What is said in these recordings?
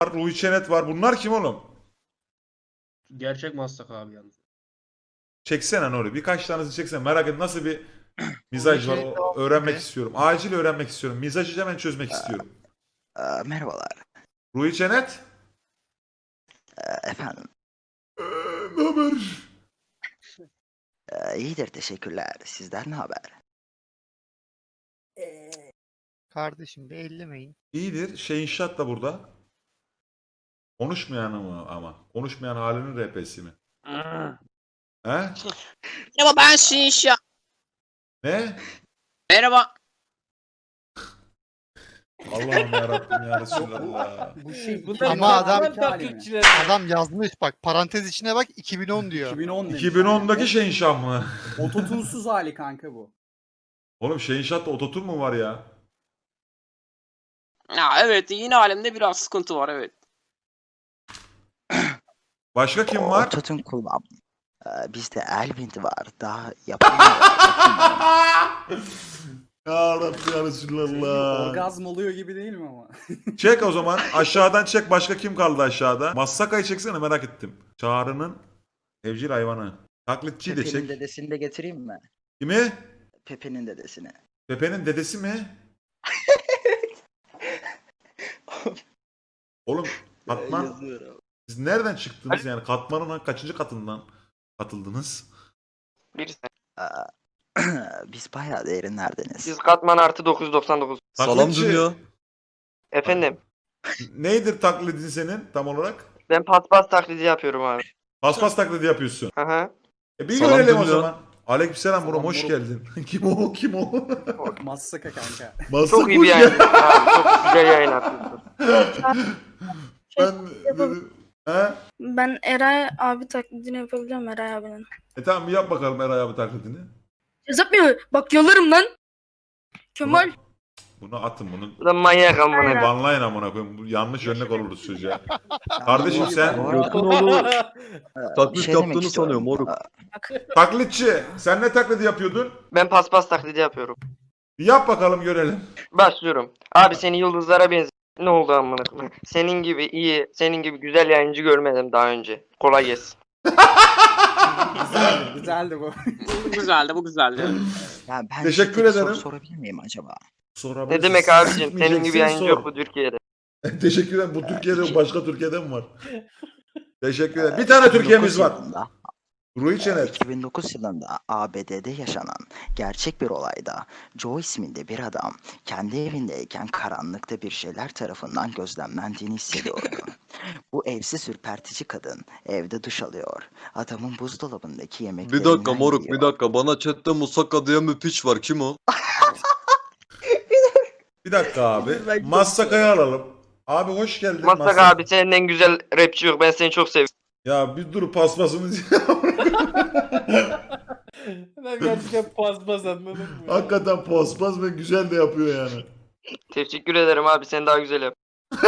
var, Ruhi Çenet var. Bunlar kim oğlum? Gerçek Maslak abi yalnız. Çeksene Nuri. Birkaç tanesini çeksene. Merak et nasıl bir mizaj var öğrenmek istiyorum. Acil öğrenmek istiyorum. Mizajı hemen çözmek istiyorum. Merhabalar. Ruhi Çenet. Efendim. Ne haber? İyidir teşekkürler. Sizden ne haber? Kardeşim bir ellemeyin. İyidir. Şey inşaat da burada. Konuşmayan ama. Konuşmayan halinin RP'si mi? He? Merhaba ben Şinşa. Ne? Merhaba. Allah'ım yarabbim ya Resulallah. Bu şey Ama taklitçiler. adam yazmış bak parantez içine bak 2010 diyor. 2010 demiş. 2010'daki şey inşaat mı? Ototunsuz hali kanka bu. Oğlum şey inşaatta ototun mu var ya? Ya evet yine alemde biraz sıkıntı var evet. Başka kim var? Ototun kullan. Bizde Elvind var. Daha yapamıyor. Ya Rabbi ya Resulallah. Orgazm oluyor gibi değil mi ama? Çek o zaman. Aşağıdan çek. Başka kim kaldı aşağıda? Massaka'yı çeksene merak ettim. Çağrı'nın evcil hayvanı. Taklitçiyi de Pepe'nin çek. dedesini de getireyim mi? Kimi? Pepe'nin dedesini. Pepe'nin dedesi mi? Oğlum Katman Yazıyorum. siz nereden çıktınız yani Katman'ın kaçıncı katından katıldınız? Birisi. Biz bayağı derinlerdeniz. Siz katman artı 999. Salam dünya. Efendim Neydir taklidin senin tam olarak? ben paspas taklidi yapıyorum abi. Paspas taklidi yapıyorsun. Aha. Bir Salam görelim o dünya. zaman. Aleykümselam Murat Salam hoş Murat. geldin. Kim o? Kim o? Massaka kanka. Massak Çok iyi bir hoş yayın. geldin. Abi, çok güzel yayın yapıyorsun. Ben dedim. He? Ben Eray abi taklidini yapabiliyorum Eray abinin. Tamam bir yap bakalım Eray abi taklidini. Yapmıyor. Bak yalarım lan. Kemal. Bunu atın bunu. Bu da manyak amına. Banlayın amına koyayım. Bu yanlış örnek oluruz çocuğa. Kardeşim sen Bu arada- Yakınoğlu Bir taklit şey demek yaptığını istiyorum. sanıyor moruk. taklitçi. Sen ne taklidi yapıyordun? Ben paspas taklidi yapıyorum. Bir yap bakalım görelim. Başlıyorum. Abi seni yıldızlara benziyor. Ne oldu amına koyayım? Senin gibi iyi, senin gibi güzel yayıncı görmedim daha önce. Kolay gelsin. Güzeldi bu. Bu güzeldi, bu güzeldi. Ya ben Teşekkür size bir ederim. soru sorabilir miyim acaba? Ne demek abicim? Senin gibi yayıncı yok bu Türkiye'de. Teşekkür ederim. Bu Türkiye'de yok. Başka Türkiye'de mi var? Teşekkür ederim. Bir tane Türkiye'miz 2009 var. yılında, Ruhi Çenet. 2009 yılında ABD'de yaşanan gerçek bir olayda Joe isminde bir adam kendi evindeyken karanlıkta bir şeyler tarafından gözlemlendiğini hissediyordu. Bu evsiz ürpertici kadın evde duş alıyor. Adamın buzdolabındaki Bir yemeklerinden dakika moruk yiyor. bir dakika bana chatte Musaka diye bir piç var kim o? Bir dakika abi. Ben Massaka'yı alalım. Abi hoş geldin. Maslak abi senin en güzel rapçi yok. Ben seni çok seviyorum. Ya bir dur paspasımız. Ben gerçekten paspas anladım mı? Hakikaten paspas ve güzel de yapıyor yani. Teşekkür ederim abi. Sen daha güzel yap.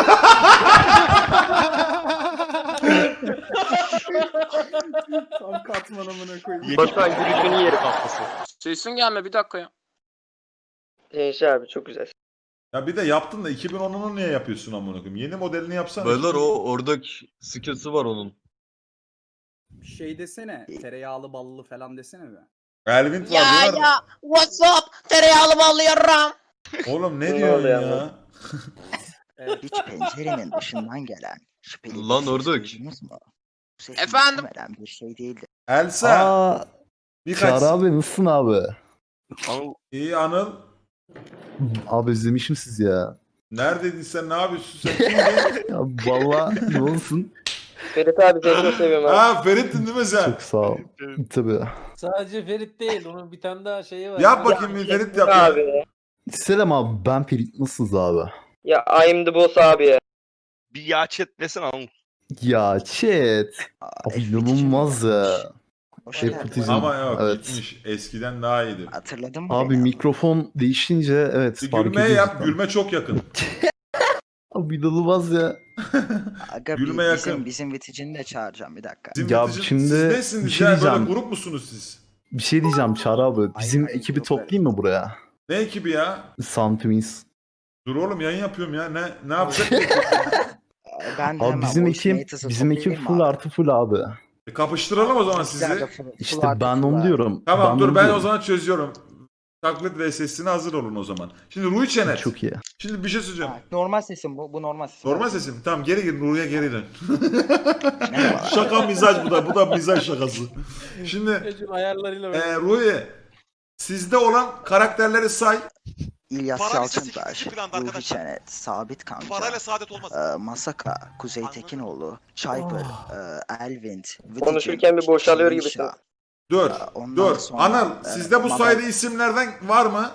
Tam katman amına koyayım. Batuhan gülüşünü yerim. Sesin gelme bir dakika ya. Genç abi çok güzel. Ya bir de yaptın da 2010'unu niye yapıyorsun amına koyayım? Yeni modelini yapsana. Beyler o oradaki skillsi var onun. Şey desene. Tereyağlı ballı falan desene be. Elvin var Ya diyorlar. ya what's up? Tereyağlı ballı yarram. Oğlum ne Ne diyorsun oluyor ya? ama? Evet. Hiç pencerenin dışından gelen şüpheli bir Lan ses ördek. duydunuz mu? Bu ses Efendim? muhtemelen bir şey değildi. Elsa. Aa, Birkaç. Çağrı abi nasılsın abi? İyi Anıl. Abi özlemişim sizi ya. Neredeydin sen? Ne yapıyorsun sen? Kimdin? Ya valla ne olsun? Ferit abi seni çok seviyorum abi. Ha Ferit'tin değil mi sen? Çok sağ ol. Tabii. Sadece Ferit değil, onun bir tane daha şeyi var. Yap bakayım bir Ferit yap. ya. Abi. Selam abi ben Ferit nasılsınız abi? Ya I'm the boss abi ya. Bir ya chat desene oğlum. Ya chat. Abi inanılmaz ya. Hoş Şey geldin. putizm. Ama yok Evet. gitmiş. Eskiden daha iyiydi. Hatırladın mı Abi beni? mikrofon değişince evet Bir fark gülme ediyoruz yap. cidden. Gülme çok yakın. Abi inanılmaz ya. Aga, Gülme yakın. bizim viticini de çağıracağım bir dakika. Bizim Ya biticim- şimdi siz bir nesiniz şey ya? Böyle diyeceğim. grup musunuz siz? Bir şey diyeceğim Çağrı abi. Bizim Hayır, ekibi yok toplayayım mı buraya? Ne ekibi ya? Sound Twins. Dur oğlum yayın yapıyorum ya. Ne yapacak? Ben de Abi hemen bizim voice ekip mates'ı bizim ekip toplayayım full mı artı full abi. Kapıştıralım o zaman Bizler de sizi. full İşte artı ben full onu abi. diyorum. Tamam dur onu ben o diyorum. zaman çözüyorum. Taklit VS'sine hazır olun o zaman. Şimdi Ruhi Çenet. Çok iyi. Şimdi bir şey söyleyeceğim. Ha, normal sesim bu. Bu normal sesim. Normal sesim. Tamam geri gir Ruhi'ye geri dön. Merhabalar. Şaka mizaj bu da. Bu da mizaj şakası. Şimdi Ecim ayarlarıyla böyle. Ruhi sizde olan karakterleri say. İlyas Para listesi Yalçıntaş, ikinci planda Ruhi arkadaşlar. Çenet, Sabit Kanca, Parayla saadet olmaz. Masaka, Kuzey Anladın Tekinoğlu, Çayper, Elvind, Vıtıcın, Konuşurken bir boşalıyor Çiğnişa. gibisin. Dur. Ondan Dur. sonra, Anıl sizde bu Madem- sayıda isimlerden var mı?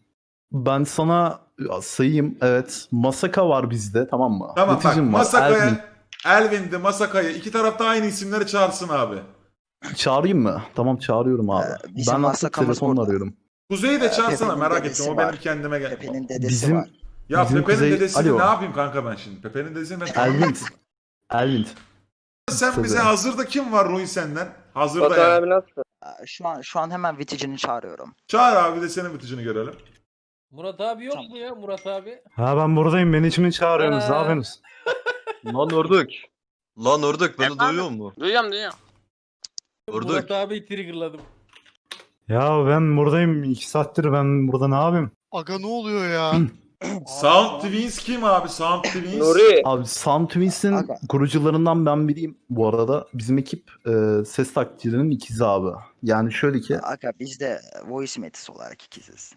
Ben sana sayayım. Evet. Masaka var bizde, tamam mı? Tamam bak Vıtıcın var, Elvin. Masaka'ya, Elvin'de Masaka'yı iki tarafta aynı isimleri çağırsın abi. Çağırayım mı? Tamam çağırıyorum abi. bizim Ben artık Masakamız telefonla burada. arıyorum. Kuzey'i de çağırsana Pepe'nin merak dedesi ettim. O var. benim kendime gel. Pepe'nin dedesi Bizim var. Ya bizim Pepe'nin Kuzey- dedesini Alo. ne yapayım kanka ben şimdi? Pepe'nin dedesini ben Elvin. Elvin. Sen bize Tabii. hazırda kim var Ruhi senden? Hazırda Batuhan yani. abi nasılsın? Şu an hemen Vıtıcın'ı çağırıyorum. Çağır abi de senin biticini görelim. Murat abi yok mu ya Murat abi? Ha ben buradayım. Beni için çağırıyorsunuz. Ne Ha. yapıyorsunuz? Lan ördek. Lan ördek beni Efendim? duyuyor mu? Duyuyorum. Ördek. Murat abi triggerladım. Ya ben buradayım. 2 saattir ben burada ne yapayım? Aga ne oluyor ya? Sound Twins kim abi? Sound Twins. Nuri. Abi Sound Twins'in Aga. kurucularından ben biriyim bu arada. Bizim ekip ses taklitçilerinin ikizi abi. Yani şöyle ki Aga biz de voice metis olarak ikiziz.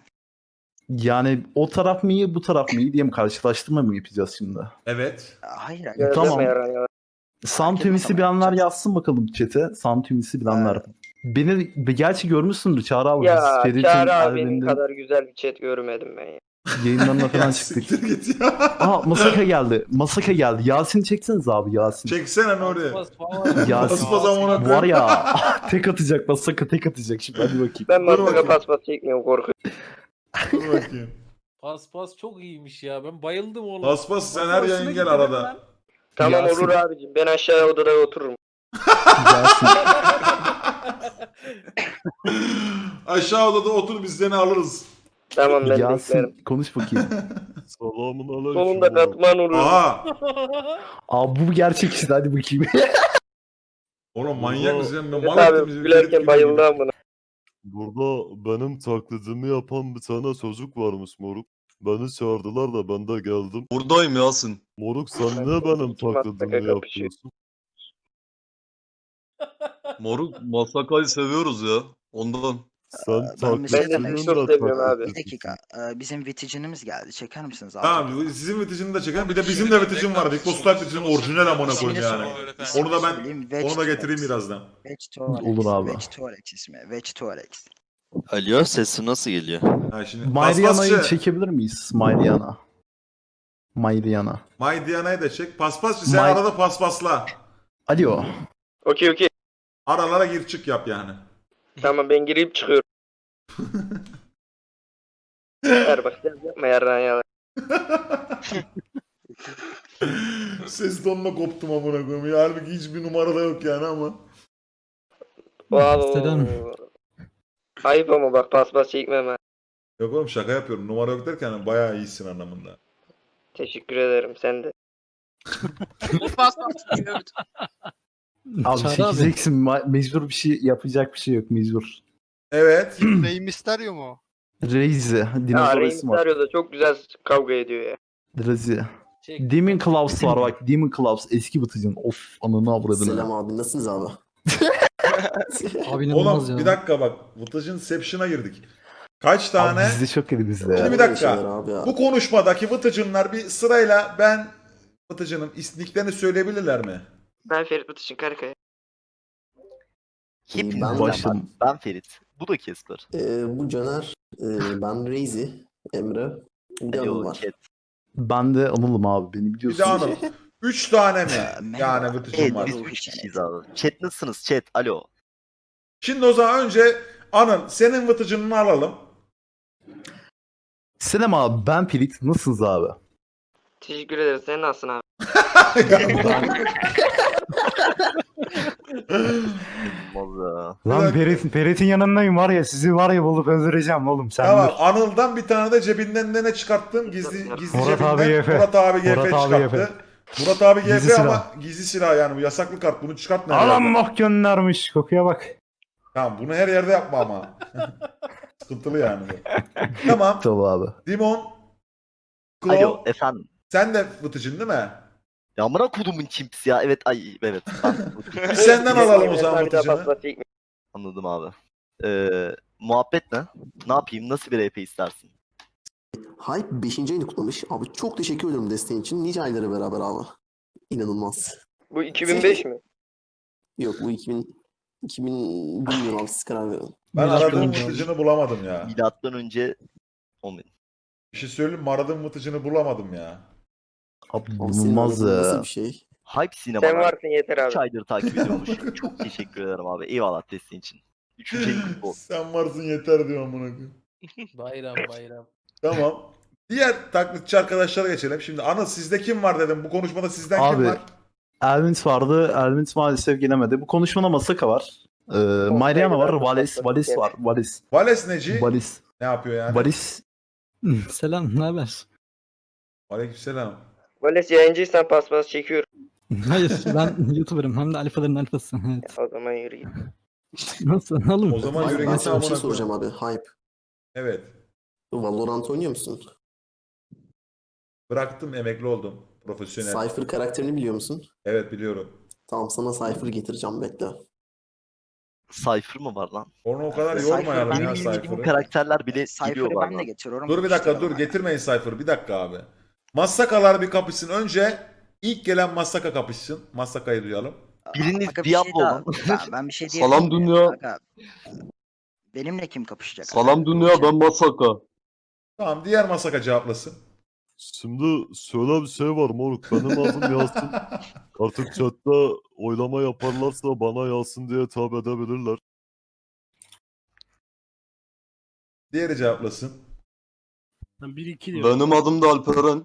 yani o taraf mı iyi bu taraf mı iyi diye mi karşılaştırma mı yapacağız şimdi? Evet. Hayır aga. Gözleme Tamam. yaran ya. Sound etmez Twins'i ama bilenler yapacağız. yazsın bakalım chat'e. Sound Twins'i bilenler. Beni gerçi görmüşsündür Çağrı abi. Ya Biz Ferit'in Çağrı abinin albümünde kadar güzel bir chat görmedim ben ya. yayınlarına falan Ya çıktık. siktir git ya. Aa Masaka geldi. Masaka geldi. Yasin çekseniz abi Yasin. Çeksene Nuri. Bas falan. Yasin. Basmaz amına Var koyayım. ya tek atacak Masaka tek atacak şimdi hadi bakayım. Ben Dur masaka bakayım. paspas çekmiyorum korkuyorum. Dur bakayım. Pas çok iyiymiş ya. Ben bayıldım oğlum. Paspas sen Bak, her hoşuna yayın gidiyor gel değil mi arada. lan? Tamam Yasin. olur abicim. Ben aşağıya odada otururum. Yasin. Aşağı odada otur biz seni alırız. Tamam ben beklerim. Yasin konuş bakayım. Selamun aleyküm. Sonunda katman olur. Aha. Abi bu gerçek işte hadi bakayım. Oğlum manyak mısın? Ben Evet mal ettim abi bizi. gülerken bayıldı amına. Burada benim taklidimi yapan bir tane çocuk varmış moruk. Beni çağırdılar da ben de geldim. Buradayım Yasin. Moruk sen niye benim Masaka taklidimi kapışıyor. yapıyorsun? Moruk Masaka'yı seviyoruz ya. Ondan. Sen Ben bir şey Ben de demek seni çok seviyorum abi. Bir dakika. Bizim Vıtıcın'ımız geldi. Çeker misiniz abi? Tamam sizin viticini de çeken bir de bizim de viticim var. Big Boss Live viticim orijinal amına koyayım yani. Onu da ben onu da getireyim birazdan. Olur abi. Vegetorex ismi. Vegetorex. Alo sesim nasıl geliyor? Ha şimdi Mariana'yı paspasçı. çekebilir miyiz? Mariana. Mariana. Maydiyana'yı da çek. Paspasçı sen May- arada paspasla. Alo. Okey. Aralara gir çık yap yani. Tamam ben girip çıkıyorum. Ver bak sen yapma yaran ya. Ses tonuna koptum amına koyayım. Ya, halbuki hiçbir numarada yok yani ama. Wow. Ayıp ama bak paspas çekmem ha. Yok oğlum şaka yapıyorum. Numara yok derken bayağı iyisin anlamında. Teşekkür ederim sen de. Abi 8 eksim mecbur bir şey yapacak bir şey yok mecbur. Evet. Rey Mysterio mu? Reizi. Ha Dinozor Rey isim var. Mysterio da çok güzel kavga ediyor ya. Reizi. Çek. Demon Claws var bak. Demon Claws eski Batıcın. Of ananı avradını. abi nasılsınız abi? Abi Oğlum bir dakika bak. Vıtıcın Seption'a girdik. Kaç tane? Abi bizde çok iyi bizde Şimdi ya. bir dakika. Bu konuşmadaki Vıtıcınlar bir sırayla ben Vıtıcın'ın istiklerini söyleyebilirler mi? Ben Ferit Batış'ın Karakaya. Hepiniz başladım. Ben Ferit. Bu da Kesper. Bu Caner. Ben Reizi. Emre. Bir Alo, var. Ben de Anıl'ım abi beni Bir biliyorsun. de Anıl. 3 tane mi? Merhaba. Yani Vıtıcın var. Biz 3 kişiyiz abi. Chat nasılsınız chat? Alo. Şimdi o zaman önce Anıl senin Vıtıcın'ını alalım. Selam abi ben Ferit. Nasılsınız abi? Teşekkür ederiz. Sen nasılsın abi? Vallahi. Lan Ferit'in yanındayım var ya sizi var ya bulup öldüreceğim oğlum sen Tamam dur. Anıl'dan bir tane de cebinden ne çıkarttın? Gizli Murat cebinden abi YF. Murat abi YF Murat abi çıkarttı. Murat abi Gizli GF silah. ama gizli silah yani bu yasaklı kart. Bunu çıkartma. her Alan yerden. bok göndermiş. Kokuya bak. Tamam bunu her yerde yapma ama. Sıkıntılı yani bu. Tamam. Tabii abi. Dimon. Alo Claw. efendim. Sen de fıtıcın değil mi? Ya amına kodumun çimps ya. Evet evet. Bir senden alalım o zaman Bir daha fıtıcını. paspas çekme. Anladım abi. Muhabbet ne? Ne yapayım? Nasıl bir RP istersin? Hype 5. ayını kutlamış. Abi çok teşekkür ederim desteğin için. Nice ayları beraber abi. İnanılmaz. Bu 2005 mi? Yok bu 2000 bilmiyorum abi siz karar verin. Ben Milattan aradığım önce fıtıcını bulamadım ya. Milattan önce 10.000. Bir şey söyleyeyim mi? Aradığım fıtıcını bulamadım ya. Abi Abi senin bulunmaz aradığın nasıl ya. bir şey? Hype Sinema. Sen varsın yeter 3 abi. aydır takip ediyormuş. Çok teşekkür ederim abi. Eyvallah desteğin için. 3. ayın kutlu olsun. Sen varsın yeter diyor amına koyayım. Bayram. Tamam. Diğer taklitçi arkadaşlara geçelim. Şimdi Anıl sizde kim var dedim. Bu konuşmada sizden kim Abi var? Elvins vardı. Elvins maalesef gelemedi. Bu konuşmada Masaka var. Mariana var. Valis var. Vales neci? Valis. Ne yapıyor yani? Valis. Selam, ne haber? Aleykümselam. Vales yayıncıysan paspas çekiyorum. Hayır, ben YouTuber'ım hem de alfaların alfası. Evet. O zaman yürü git. Nasıl oğlum? O zaman Hype, yürü ben git sana bir şey amına soracağım koyayım. abi. Hype. Evet. Valorant oynuyor musun? Bıraktım, emekli oldum. Profesyonel. Cypher karakterini biliyor musun? Evet biliyorum. Tamam sana Cypher getireceğim bekle. Cypher mı var lan? Onu o kadar Cypher yormayalım ben ya bildiğim Bu Cypher'ı. karakterler bile Cypher'ı geliyor ben de bazen. getiriyorum. Dur bir dakika dur İstiyorum getirmeyin Cypher'ı. Bir dakika abi. Massakalar bir kapışsın. Önce ilk gelen Massaka kapışsın. Massaka'yı duyalım. ben. Biriniz Aga, Diablo şey daha- olun. ben bir şey Salam diyebilir miyim? dünya. Aga, benimle kim kapışacak? Salam dünya ben Masaka. Tamam diğer Massaka cevaplasın. Şimdi şöyle bir şey var moruk. Benim adım Yasin. Artık chatte oylama yaparlarsa bana Yasin diye hitap edebilirler. Diğeri cevaplasın. 1-2 Benim adım da Alperen.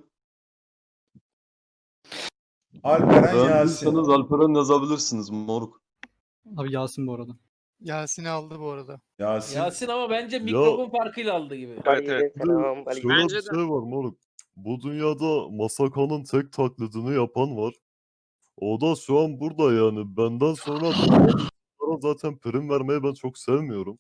Alperen Yasin. Beğendiyseniz Alperen yazabilirsiniz moruk. Abi Yasin bu arada. Yasin'i aldı bu arada. Yasin. Yasin ama bence mikrofon farkıyla aldı gibi. Aleykümselam, Şöyle aleykümselam. bir şey var moruk. Bu dünyada Masaka'nın tek taklidini yapan var. O da şu an burada yani. Benden sonra bunlara zaten prim vermeyi ben çok sevmiyorum.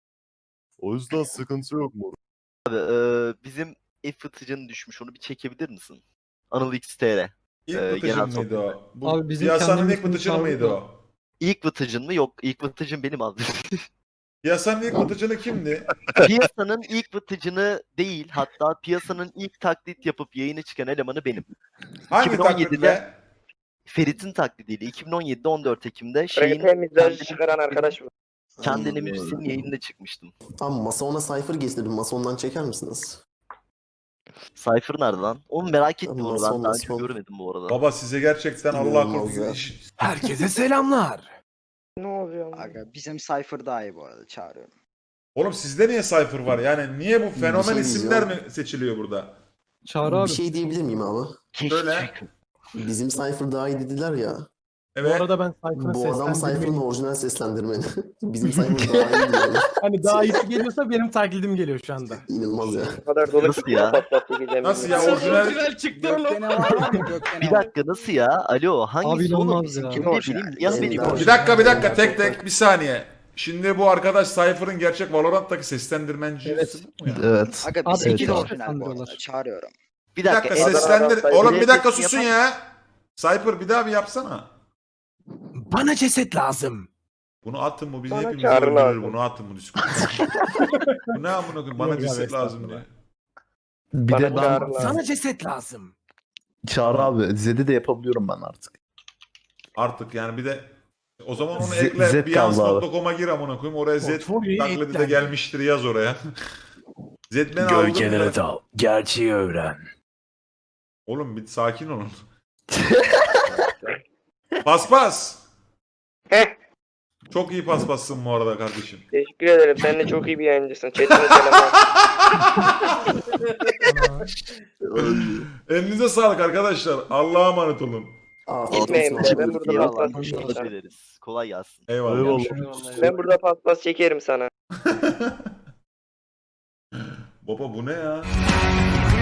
O yüzden sıkıntı yok moruk. Abi, bizim fıtıcının düşmüş. Onu bir çekebilir misin? Anıl XTR. İlk genel vıtıcın mıydı sohbet. o? Bu Abi bizim piyasanın ilk kendimizin vıtıcını mıydı tavrı o? İlk vıtıcın mı? Yok. İlk vıtıcın benim abi. Piyasanın ilk vıtıcını kimdi? Piyasanın ilk vıtıcını değil. Hatta piyasanın ilk taklit yapıp yayına çıkan elemanı benim. Hangi 2017'de taklitle? Ferit'in taklidiyle 2017'de 14 Ekim'de şeyin Reggae mizajı çıkaran arkadaş mı? kendine müzisyenin yayınında çıkmıştım. Tamam Mason'a Cypher getirdim. Mason'dan çeker misiniz? Cypher nerede lan? Onu merak ettim onu. Ben Mason, daha önce Mason. görmedim bu arada. Baba size gerçekten Allah İnanılmaz korusun. ya. Herkese selamlar. Ne oluyor? Aga, bizim Cypher daha iyi bu arada çağırıyorum. Oğlum sizde niye Cypher var? Yani niye bu fenomen şey isimler diyeceğim. mi seçiliyor burada? Çağrı Bir abi. şey diyebilir miyim abi? Söyle. Bizim Cypher daha iyi dediler ya. Evet. ben Bu adam Cypher'ın orijinal seslendirmeni. Bizim Cypher daha iyi diyor. Hani daha iyisi geliyorsa benim taklidim geliyor şu anda. İnanılmaz ya. Bu kadar dolu Nasıl ya? paspas çekeceğim. Nasıl ya bilmiyorum. orijinal? çıktı oğlum. Gökdene var mı? Gökdene Bir var. dakika nasıl ya? Alo hangisi Abi oğlum? inanılmaz Bizim ya. kim Orijinal. benim? Ya benim Ender. orijinal. Bir dakika tek tek bir saniye. Şimdi bu arkadaş Cypher'ın gerçek Valorant'taki seslendirmenci. Evet. mi ya? Evet. Aga Abi, bizimki evet de abi. orijinal bu arada. Sandırıyorlar. Çağırıyorum. Bir Bir dakika dakika. seslendir. Cypher- Oğlum bir dakika Sesini susun yapar ya. Cypher bir daha bir yapsana. Bana ceset lazım. Bunu atın bu bizi Bana hepimizi çağrı öldürür. lazım. Bunu atın bu Discord'a. Bu ne amına koyayım? Bana Yok ya, ceset lazım estağfurullah. diye. Bir Bana de ben çağrı lazım. ceset lazım. Çağrı abi. Zed'i de yapabiliyorum ben artık. Artık yani bir de o zaman onu Z- ekle. Z kaldı Beyonce.com'a gir amına koyayım. Oraya Z taklidi de gelmiştir yaz oraya. Z ben aldım. dal. Gerçeği öğren. Oğlum bir sakin olun. Paspas. Heh. Çok iyi paspassın bu arada kardeşim. Teşekkür ederim. Sen de çok iyi bir yayıncısın. Chat'ine selamlar. Elinize sağlık arkadaşlar. Allah'a emanet olun. Afiyet Gitmeyin olsun. be. Ben burada Eyvallah. paspas çekeyim Teşekkür sana. ederiz. Kolay gelsin. Eyvallah. Eyvallah. Ben burada paspas çekerim sana. Baba bu ne ya?